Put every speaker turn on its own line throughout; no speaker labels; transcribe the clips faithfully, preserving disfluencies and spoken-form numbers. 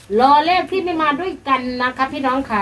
รอเลขที่ไม่มาด้วยกันนะคะพี่น้องค่ะ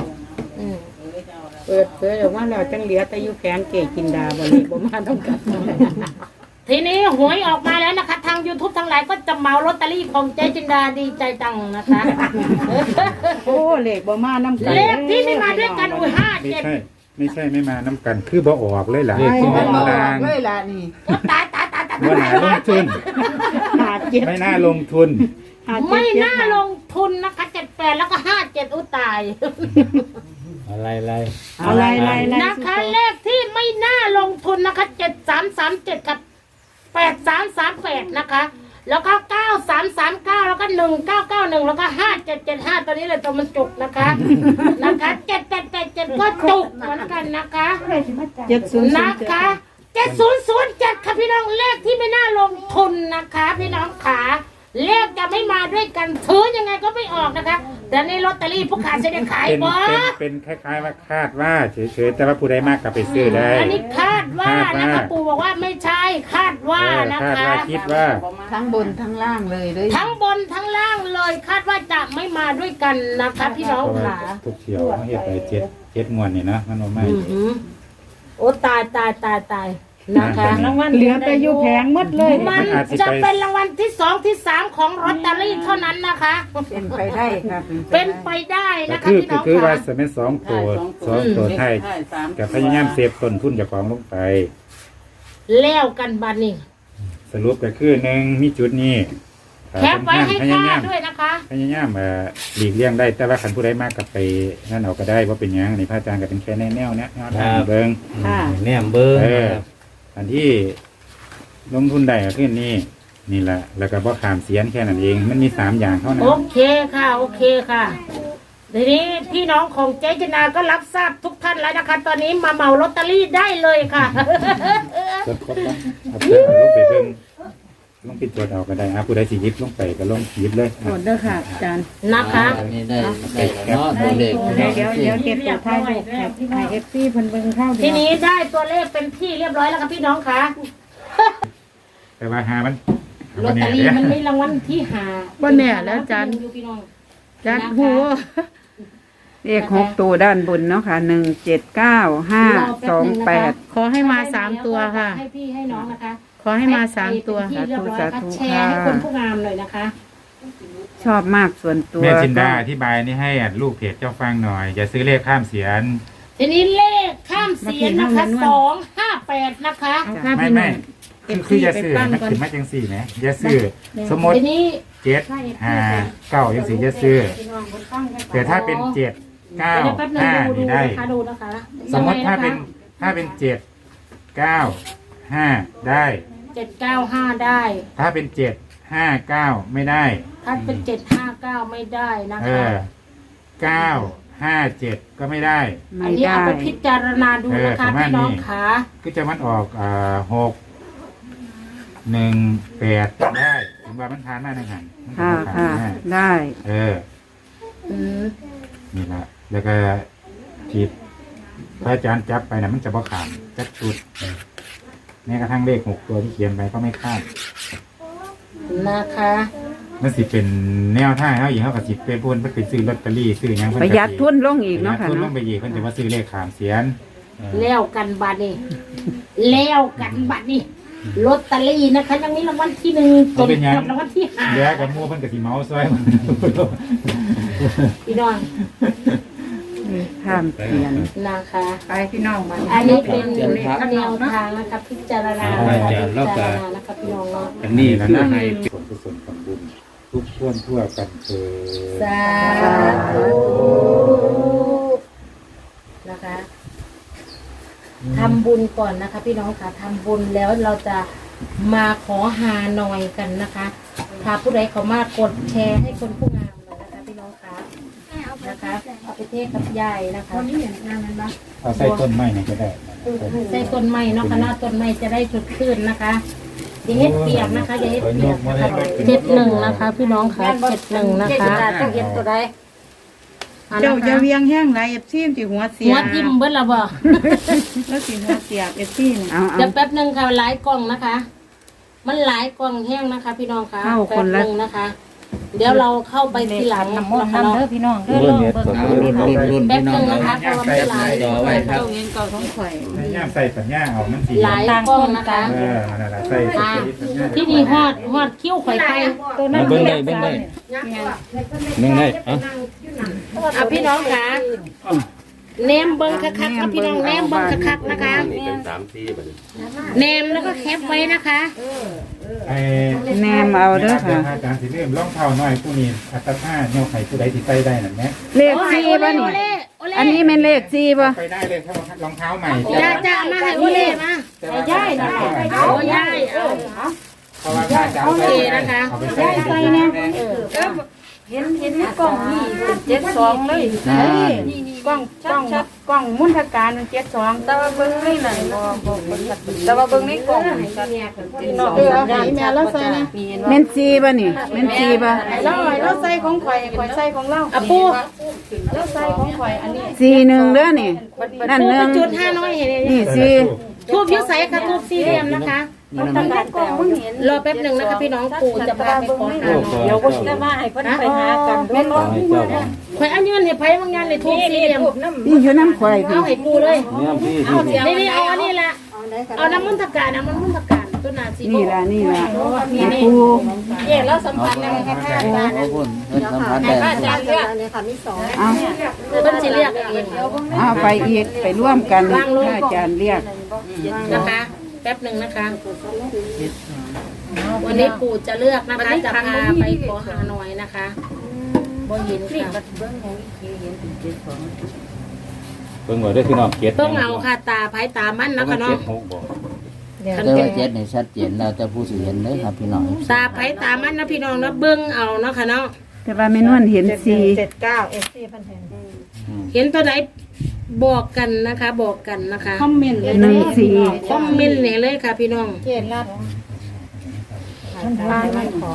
เปิดเผยออกมาแล้วจังเหลือแต่อยู่แผงเกกินดาบ่เลยบ่มาต้องกัด
ทีนี้หวยออกมาแล้วนะคะทาง YouTube ทั้งหลายก็จะเหมาลอตเตอรี่ของเจ๊จินดาดีใจจังนะคะ
โอ้เลขบ่มาน้ำกัน
เลขที่ไม่มาด้วยกันอุ้ยห้าเจ็ด
ไม่ใช่ไม่มาน้ำกันคือบ่ออกเลยล่ะ
เลขที่ไม่มาเลยล่ะนี่
ตายตายตายตาย
ว่าหนาลงทุนไม่น่าลงทุน
ไม่น่าลงทุนนะคะเจ็ดแปดแล้วก็ห้าเจ็ดอุ้ตาย
อะไรอะไร
อะไรอะไร
นะคะเลขที่ไม่น่าลงทุนนะคะเจ็ดสามสามเจ็ดกับแปดสามสามแปดนะคะแล้วก็เก้าสามสามเก้าแล้วก็หนึ่งเก้าเก้าหนึ่งแล้วก็ห้าเจ็ดเจ็ดห้าตัวนี้เลยตัวมันจุกนะคะนะคะเจ็ดแปดแปดเจ็ดก็จุกเหมือนกันนะคะ
เจ็ดศูนย์
นะคะเจ็ดศูนย์ศูนย์เจ็ดค่ะพี่น้องเลขที่ไม่น่าลงทุนนะคะพี่น้องขาเลขจะไม่มาด้วยกันถือยังไงก็ไม่ออกนะคะแต่ในลอตเตอรี่ผู้ขายจะได้ขายบ่
เป็นคล้ายๆว่าคาดว่าเฉยๆแต่ว่าผู้ใดมากกลับไปซื้อได้
อันนี้คาดว่านะคะปู่บอกว่าไม่ใช่คาดว่านะคะ
คิดว่า
ทั้งบนทั้งล่างเลยเลย
ทั้งบนทั้งล่างเลยคาดว่าจะไม่มาด้วยกันนะคะพี่น้องค่ะ
ทุกเที่ยวเขาเห็นไปเจ็ดเจ็ดงวดนี่นะมันไม่
โอ้ตายตายตายตายนะคะ
รางวัลเหลือแต่อยู่แผงหมดเลย
มันจะเป็นรางวัลที่สองที่สามของลอตเตอรี่เท่านั้นนะคะ
เป็นไปได้ครับ
เป็นไปได้นะคะพี่น้องค่ะ
คือว่าจะเป็นสองตัวสองตัวไทยกับพยายามเซฟต้นทุนจากของลงไป
แล้วกันบัดนี้
สรุปก็คือหนึ่งมีจุดนี้
แคปไว้ให้ค่าด้วยนะคะ
พยายามหลีกเลี่ยงได้แต่ว่าขันผู้ใดมากกับไปนั่นเอาก็ได้ว่าเป็นยังในพระอาจารย์ก็เป็นแค่แนวแนวเนี้ยแนวเบิ้ง
แนวเบิ้ง
อันที่ลงทุนได้ก็คือนี่นี่แหละแล้วก็บ่ขามเสียนแค่นั้นเองมันมีสามอย่างเท่านั้น
โอเคค่ะโอเคค่ะทีนี้พี่น้องของเจ๊จินาก็รับทราบทุกท่านแล้วนะคะตอนนี้มาเหมาลอตเตอรี่ได้เลยค่ะ
จดครบแล้วเอาเพื่อนลงไปเบิ่งลงปิดตัวเอาก็ได้อ่ะผู้ใดสิยิบลงไปก็ลงยิบเลย
หมดเด้อค่ะอาจารย์
นะคะ
นี่ได้ได้เนาะตัวเลข
เดี๋ยวเดี๋ยวเดี๋ยวเก็บตัวท้ายไว้ให้เอฟซีเพิ่นเบิ่งเข้า
ทีนี้ได้ตัวเลขเป็นที่เรียบร้อยแล้วค่ะพี่น้องค่ะ
แต่ว่าหามัน
ลอตเตอรี่มันไม่รางวัลที่หา
บ่แน่แล้วอาจารย์อาจารย์ฮู้เลขหกตัวด้านบนเนาะค่ะหนึ่งเจ็ดเก้าห้าสองแปดขอให้มาสามตัวค่ะ
ให้พี่ให้น้องนะคะ
ขอให้มาสามตัว
สาธุสาธุแชร์ให้คนผู้งามเลยนะคะ
ชอบมากส่วนตัว
แม่จินดาอธิบายนี่ให้ลูกเพจเจ้าฟังหน่อยอย่าซื้อเลขข้ามเสียน
ทีนี้เลขข้ามเสียนนะคะสองห้าแปดนะคะ
ไม่ไม่คืออย่าซื้อมันขึ้นมาจังสี่ไหมอย่าซื้อสมมติเจ็ดห้าเก้าจังสี่อย่าซื้อแต่ถ้าเป็นเจ็ดเก้าห้านี่ได้สมมติถ้าเป็นถ้าเป็นเจ็ดเก้าห้าได้
เจ็ดเก้าห้าได้
ถ้าเป็นเจ็ดห้าเก้าไม่ได้
ถ้าเป็นเจ็ดห้าเก้าไม่ได้นะคะ
เก้าห้าเจ็ดก็ไม่ได้
อันนี้เอาไปพิจารณาดูนะคะพี่น้องขา
ก็จะมันออกอ่าหกหนึ่งแปดได้ถึงว่ามันทานได้ในหัน
ค่ะค่ะได้
เออนี่แหละแล้วก็ผิดพระอาจารย์จับไปนะมันจะบ่ขามจับชุดแม้กระทั่งเลขหกตัวที่เขียนไปก็ไม่คาด
นะคะ
มันสิเป็นแนวท่าเขาอีกเขากับสิเป็นพูนเพื่อไปซื้อลอตเตอรี่ซื้อยัง
ประหยัดทุนลงอีกเนาะค่ะ
ทุนลงไปอีกเพิ่นจะมาซื้อเลขขามเสียน
แล้วกันบัดนี้แล้วกันบัดนี้ลอตเตอรี่นะคะยังมีรางวัลที่หนึ่งจนรางวัลที่ห้า
เดี๋ยวกับมูเพิ่นกับสีเมาส์ซอย
พี่น้อง
ข้ามเสียน
นะคะ
ไปพี่น้องมา
อันนี้เป็นแนวทางนะคะพิจารณาพิจารณานะคะพี่น้องเนาะ
อันนี้แล้วนะให้ผลกุศลของบุญทุกท่วนทั่วกันเถิด
สาธุนะคะทำบุญก่อนนะคะพี่น้องค่ะทำบุญแล้วเราจะมาขอหาหน่อยกันนะคะถ้าผู้ใดเขามากดแชร์ให้คนผู้งามเลยนะคะพี่น้องค่ะนะคะเอาไปเทศกับยายนะคะนี่อย่างนั้นนะ
เอาใส่ต้นไม้เนี่ยก็ได้
ใส่ต้นไม้เนาะคณะต้นไม้จะได้สดชื่นนะคะอย่าเฮ็ดเปียกนะคะอย่าเฮ็ดเปียกนะคะเจ็ดหนึ่งนะคะพี่น้องค่ะเจ็ดหนึ่งนะคะต้องเฮ็ดตัวใด
เจ้าจะเวียงแห้งไรเอฟซีจีหัวเสีย
หัวจิ้มเบิ้ลละบ่
แล้วสีหัวเสียเอฟซี
เดี๋ยวแป๊บหนึ่งค่ะหลายกล่องนะคะมันหลายกล่องแห้งนะคะพี่น้องค่ะแป๊บหนึ่งนะคะเดี๋ยวเราเข้าไปทีหลัง
น้ำมนต์
นะคะ
น้ำ
เนาะ
เด้อพี่น้องเด้อ
รุ่
ล
น
อง
เฮ็ด
เบิ่ง
รุ่นรุ่นรุ่น
แป๊บ
พี่น้
นึ
อง
งนะคะเพราะว่ามันหลาย
จอไว้ครับ
เงินเก่าของข่อย
ให้ย่ามใส่ปัญญาเอามันสี
หลายกล้องนะคะ
เออนั่นแหละใส่ใส่ปัญญา
ที่นี่ฮอดฮอดคิ้วข่อยไป
ตัวนั้น
เบิ่งได้เบิ่งได้เบิ่งได้เอ้า
อ่ะพี่น้องคะเนมเบิ้งคักๆครับพี่น้องเนมเบิ้งคักๆนะคะเนมแล้วก็แคปไว้นะคะ
ไอ้
แนมเอาเด้อค่ะ
อาจารย์สิเริ่มร่องเท้าน้อยผู้นี้อัตราโยกไข่ผู้ใดที่ใส่ได้นั่นแหละ
เลข
โอ้ย
สี่
โอ
ป่ะ
เล่
นี่
โอเล่โอเล่
อันนี้เป็นเลขสี่ป่ะ
ไปได้เลยถ้ารองเท้าใหม่
จ้าจ้ามาให้โอเล่มา
ให้ย่ายนะ
โอ้ย่ายเอา
เพราะว่าถ้าจะเอาไปเอาไปใส่เนี่ย
เห็นเห็นในกล้องนี่เจ็ดสองเลยนี่กล้องกล้องกล้องมุนทการมันเจ็ดสองแต่ว่าเบิ่งในนั่นบ่บ่บ่ชัดแต่ว่าเบิ่งในกล้องนี่ชัดพี่น้องเออเอาให้แม่เราใส่นะ
เม่นสี่ป่ะนี่เม่นสี่ป่ะ
เราเราใส่ของข่อยข่อยใส่ของเรา
อ่ะปู
เราใส่ของข่อยอันนี้
สี่หนึ่งเด้อนี่นั่น
ปู
หนึ่
ไป
ง
จุดห้าน้อยเห็นไหม
นี่สี่
ทูบยุใสค่ะทูบสี่เหลี่ยมนะคะ
มันทำการกล้องมึงเห็น
รอแป๊บหนึ่งนะคะพี่น้องปู่จะพาไปขอหาหน่อย
เดี๋ยวก็จะมาให้เพิ่นไปหากันแม่นบ่
ให้เจ้าบ่
ข่อยอันยืนเห็นไผ่บางงานเลยทูบสี่เหลี่ยม
นี่อยู่น้ำควายพี่
เอาให้ปูเลย
เนี่ยพี่
เอานี่นี่เอาอันนี้แหละเอาน้ำมันตะการน้ำมันตะการตัวหนาสี
นี่ละนี่ละให้ปู
เย่แล้วสัมผัสอะไรคะท่าน
ขอบคุณเพิ่นสัมพันธ์ได้
อาจารย์เลือก
เอา
เพิ่นสิเรียกเอง
เอาไปอีกไปร่วมกันถ้าอาจารย์เรียก
นะคะ แป๊บหนึ่งนะคะ วันนี้ปู่จะเลือกนะคะจะพาไปขอหาหน่อยนะคะบ่เห็นค่ะ
เบิ่งไว้เด้อพี่น้องเก็ด
ต้องเอาค่ะตาไผ่ตามันนะคะเนาะ
หกบ่
คัน
แต่
เป็
ว่าน เจ็ดนี่ชัดเจนแล้วแต่ผู้สิเห็นเด้อครับพี่น้อง
ตาไผ่ตามันนะพี่น้องนะเบิ้งเอาเนาะค่ะเนาะ
แต่ว่าแม่นวลเห็นสี่
เจ็ดเก้าเอฟซีพันแทน
เห็นตัวไหนบอกกันนะคะ บอกกันนะคะ
คอมเมนต์เลย
หนึ่งสี่
คอมเมนต์เนี่ยเลยค่ะพี่น้อง
เจ็ดรับทานไม่ขอ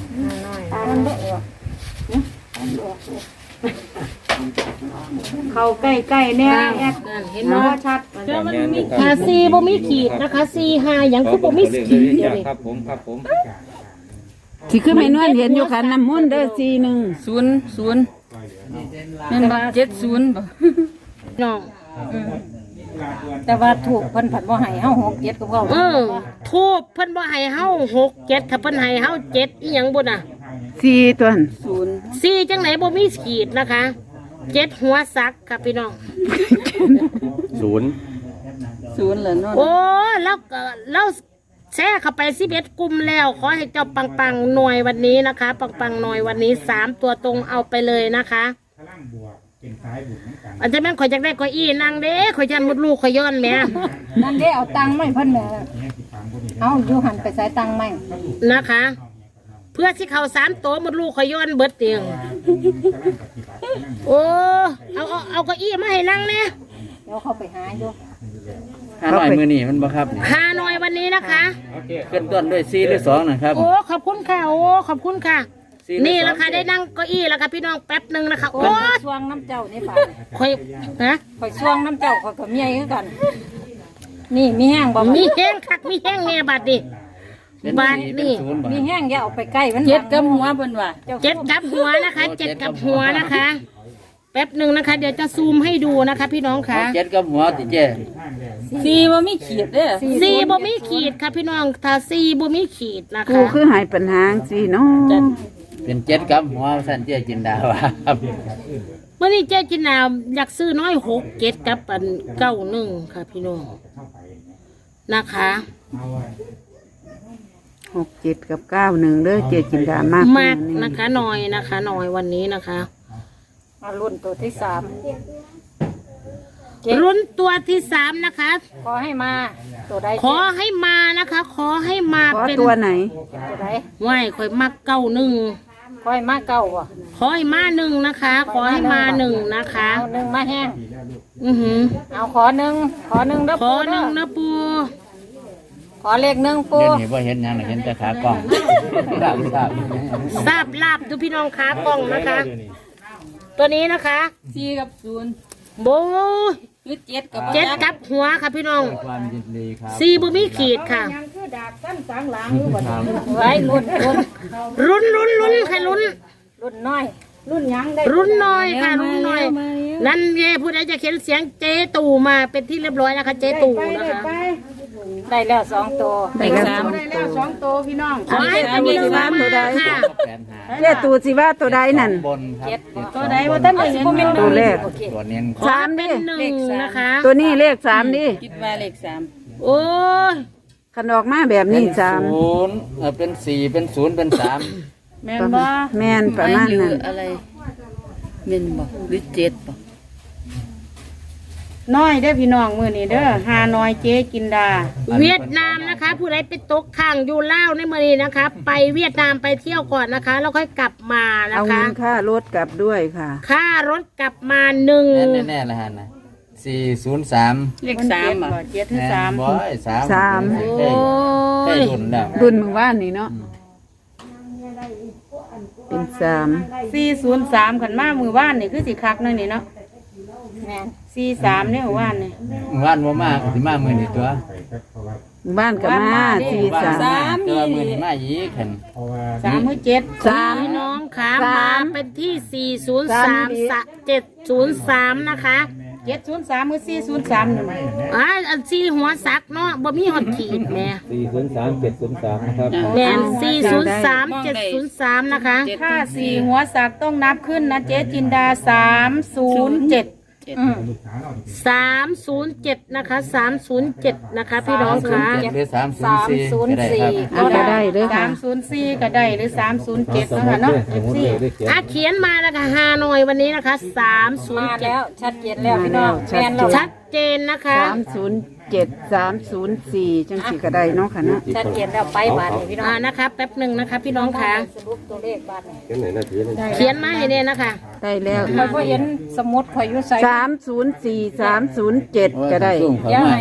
เขาใกล้ๆเนี่ยแอด
นั่นเห็น
เนาะ
เนาะ
ชัด
จำแม่นอยู่
หาซีบ่มีขีดนะคะซีหาอย่างคือบ่มีขีดเดียวนี่
ครับผมครับผม
ที่คือแม่นวลเห็นอยู่ขันน้ำมนต์เด้อสี่หนึ่ง
ศูนย์ศูนย์แม่นบ่เจ็ดศูนย์บ่
น้อง
แต่ว่าถูกเพิ่นผัดบ่ให้เฮาหกเจ็ดกับเขา
เออทูบเพิ่นบ่ให้เฮาหกเจ็ดถ้าเพิ่นให้เฮาเจ็ดอีหยังบ่น่ะ
สี่ตัวหั่น
ศูนย์
ซีจังไหนบ่มีขีดนะคะเจ็ดหัวซักค่ะพี่น้อง
ศูนย์
ศูนย์เหรอเนาะ
โอ้แล้วก็แล้วแชร์เข้าไปสิบเอ็ดกลุ่มแล้ว ขอให้เจ้าปังปังๆหน่วยวันนี้นะคะ ปังปังๆหน่วยวันนี้สามตัวตรงเอาไปเลยนะคะ
พลังบวกเป็นซ้ายบุญเหมือนกัน
อาจจะแม่นข่อยจักได้ข่อยอีนางเด้ข่อยยันมดลูกข่อยย้อนแหม่
นั่นเด้เอาตังค์มาให้เพิ่นแหม่
เนี่ยสิฟังผู้นี้
เอาอยู่หันไปใส่ตังค์ไหม
นะคะ เพื่อที่เขาสามตัวมดลูกข่อยย้อนเบิดเตียง
กำลังปฏิบัตินั่น
โอ้เอาเอาเอาเก้าอี้มาให้นั่งเนี่ย
เดี๋ยวเขาไปหาอยู่
ห้าร้อยมื้อนี้มันบ่ครับนี่
หาหน่อยวันนี้นะคะ
ขึ้นต้นด้วยสี่หรือสองนะครับ
โอ้ขอบคุณค่ะโอ้ขอบคุณค่ะ
สี่หรือ
นี่
สอง
แหละค่ะได้นั่งเก้าอี้แล้วค่ะพี่น้องแป๊บหนึ่งนะคะ โอ้
ข่อยช่วงน้ำเจ้านี่ป่ะ
ข่อยฮะ
ข่อยช่วงน้ำเจ้าข่อยกับเมียคือกัน นี่มีแห้งบ่
มีแห้งคักมีแห้งแน่บัดดิบัดนี่
ศูนย์บ่
มีแห้งอย่าเอาไปใกล้มันเจ็ดกับหัวเพิ่นว่า
เจ็ดกับหัวนะคะเจ็ดกับหัวนะคะ แป๊บหนึ่งนะคะ เดี๋ยวจะซูมให้ดูนะคะ พี่น้องค่ะ
เจ็ดกับหัวติเจ้
สี่บ่มีขีดเด้อ
ซีบ่มีขีดค่ะพี่น้องถ้าซีบ่มีขีดนะ
กู
คะ
คือหายปัญหาสี่เนาะ
เป็นเจ็ดกับหัวสั่นเจ้จินดาว่าครับ
เมื่อนี้เจ๊จินนาอยากซื้อน้อยหกเจ็ดกับอันเก้าหนึ่งค่ะพี่น้องนะคะ
หกเจ็ดกับเก้าหนึ่งเด้อเจจินดามาก
มากนะคะหน่อยนะคะหน่อยวันนี้นะคะ
มารุ่นตัวที่สาม
รุ่นตัวที่สามนะคะ
ขอให้มาตัวใด
ขอให้มานะคะ ขอให้มา
ขอ
เป็น
ตัวไหน
ตัวใด
ไหวข่อยมักเก้าหนึ่ง
ขอให้มาเก้าบ่
ขอให้มาหนึ่งนะคะ ขอให้มาหนึ่งนะคะ
เอาหนึ่งมาแห้ง
อือหือ
เอาขอหนึ่งขอหนึ่งเด้อ
ขอ
ปู
หนึ่ง
เด้อ
นะปู
ขอเลขหนึ่งปู
เดี๋ยวนี้บ่เห็นหยังเห็นแต่ขากล้องครับครับ
ทราบลาบดูพี่น้องขากล้องนะคะ ตัวนี้นะคะ
สี่กับศูนย์
โบ
คือเจ็ดกับ
เจ็ดกับหัวค่ะพี่น้อง
ความยินดีครับ
สี่บ่มีขีดค่ะ
ยังคือดาบสั้นสางหลังอยู่บ่ไว้รุ่นรุ่น
รุนรุนรุนใครรุน
รุ่นน้อย รุ่นยังได้
รุ่นน้อยค่ะรุ่นน้อย นั่นเย่ผู้ใดจะเขียนเสียงเจตู่มาเป็นที่เรียบร้อยนะคะ เจตู่
ไป
นะ
ได้
คะ
ไปได้แล้วสองตัว
ได้แล้วสอง
ได้แล้วสองตัวพี่น้อง
ขอให้เป็นหนึ่งมาค่ะ
แปดหา
เจ้ตูสิว่าตัวใดนั่น
บนครับ
ตัวใดว่าท่านได้เห็น
ตัวแรก
ตัวเน้น
ขอให้เป็นหนึ่งนะคะ
ตัวนี้เลขสามดิ
คิดว่าเลขสาม
โอ้ย
ขันออกมาแบบนี้สาม
ศูนย์เออเป็นสี่เป็นศูนย์เป็นสาม
แม่นบ่
แม่นประมาณนั้น
อะไรเม่นบ่หรือเจ็ดบ่น้อยเด้อพี่น้องมื้อนี้เด้อหาน้อยเจ๊กินดา
เวียดนามนะคะ ผู้ใดไปตกข้างอยู่ล่าวในเมืองนี้นะคะ ไปเวียดนามไปเที่ยวก่อนนะคะ แล้วค่อยกลับมานะ
เอา
คะ
เงินค่ารถกลับด้วยค่ะ
ค่ารถกลับมาหนึ่ง
แน่แน่ๆเลยฮะนะสี่ศูนย์สาม
เลขสามบ่เจ็ดถึงสาม
บอยสาม
สาม
เคยเคยรุ่นแล้ว
รุ่นเมื่อวานนี่เนาะเป็นสาม
สี่ศูนย์สามขันมามือว่านนี่คือสิคักหนั่นนี่เนาะสี่สามเนี่ยว่านนี่
ว่านบ่มากสิมามือนี่ตัว
บ้านกับมาสี่สาม
ตัวมือนี่มาอีกขัน
เพราะว่า
สามมือเจ็ด
สาม
พี่น้องค่ะ
สาม
มาเป็นที่สี่ศูนย์สาม
สาม
เจ็ดศูนย์สามนะคะ
เจ็ดศูนย์สามมือสี่ศูนย์สามนี่
อ่าอันสี่หัวสักเนาะบ่มีหอดขีดแม่
สี่ศูนย์สามเจ็ดศูนย์สามนะครับ
แม่นสี่ศูนย์สามเจ็ดศูนย์สามนะคะ
ถ้าสี่หัวสักต้องนับขึ้นนะเจ๊จินดาสามศูนย์เจ็ด
สามศูนย์เจ็ดนะคะสามศูนย์เจ็ดนะคะพี่น้องค่ะ
หรือสามศูนย์สี่ก็ได้ครับ
เอาก็ได้เด้อ
สา
ค่ะ
มศูนย์สี่ก็ได้หรือสามศูนย์เจ็ดนะคะเนาะเอฟซี
อ่ะเขียนมานะคะฮานอยวันนี้นะคะสามศูนย์เจ็ด
ชัดเจนแล้วพี่น้อง
ชัดเจน
ชัดเจนนะคะ
สามศูนย์เจ็ดสามศูนย์สี่จังสี่ก็ได้เนาะค่ะเนาะ
ชัดเจนแล้วไปบ้านนี่พี่น้อง
อ่านะคะแป๊บหนึ่งนะคะ พี่น้องค่ะ
สรุปตัวเลขบ้านนี่
เขียนไหนนาทีนึง
เขียนมาให้เนี่ยนะคะ
ได้แล้ว
คอยก็เห็นสมุดคอยอยู่ใส่
สามศูนย์สี่สามศูนย์เจ็ดก็ได้
ซุ่มเข้า
ยัง
มา
ไง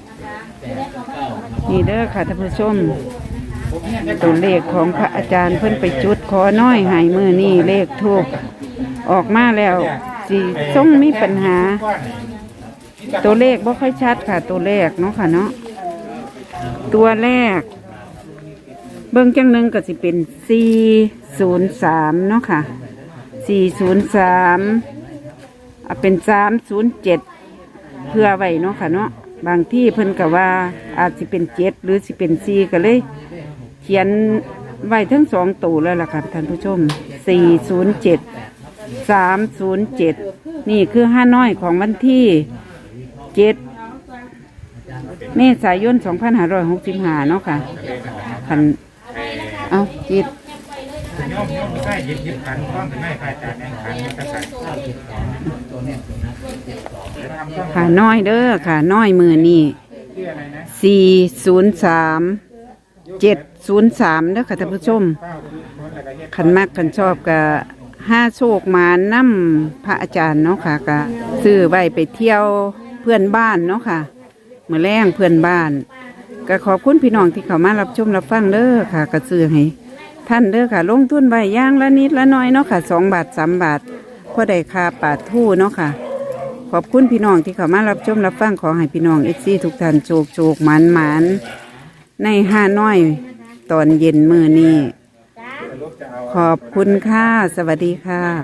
นี่เด้อค่ะท่านผู้ชม ตัวเลขของพระอาจารย์เพิ่นไปจุดขอน้อยหายมือนี่เลขทูกออกมาแล้วสีส่งมีปัญหา ตัวเลขบ่ค่อยชัดค่ะ ตัวเลขเนาะค่ะเนาะตัวแรก เบิ่งจังหนึ่งก็สิเป็นสี่ศูนย์สามเนาะค่ะสี่ศูนย์สามเอาเป็นสามศูนย์เจ็ดเพื่อไว้เนาะค่ะเนาะบางที่เพิ่นก็ว่าอาจสิเป็นเจ็ดหรือสิเป็นสี่ก็เลย เขียนไว้ทั้งสองตัวแล้วล่ะค่ะท่านผู้ชมสี่ศูนย์เจ็ดสามศูนย์เจ็ดนี่คือห้าน้อยของวันที่เจ็ดเมษายนสองพันห้าร้อยหกสิบห้าเนาะค่ะคันเอาจิต
โยมโยมไม่ใช่ยิบยิบขันกล้องถึงไม่ใครจ่ายแม่งขันกระใส่
ค่ะน้อยเด้อค่ะน้อยมือนี่
ชื่ออะไรนะ
สี่ศูนย์สามเจ็ดศูนย์สามเด้อค่ะท่านผู้ชม
เป้าคือคนอะไรเงี้ย
ขันมากขันชอบกับห้าโชคมานั่มพระอาจารย์เนาะค่ะก็ซื้อไว้ไปเที่ยวเพื่อนบ้านเนาะค่ะเมื่อแรงเพื่อนบ้านก็ขอบคุณพี่น้องที่เข้ามารับชมรับฟังเด้อค่ะก็ซื้อให้ท่านเด้อค่ะ ลงทุนไว้ย่างละนิดละน้อยเนาะค่ะสองบาทสามบาทพอได้ค่าปาดทู่เนาะค่ะ ขอบคุณพี่น้องที่เข้ามารับชมรับฟังขอให้พี่น้องเอฟซีทุกท่านโชคโชคหมันหมันในห้าน้อยตอนเย็นมือนี้ขอบคุณค่ะ สวัสดีค่ะ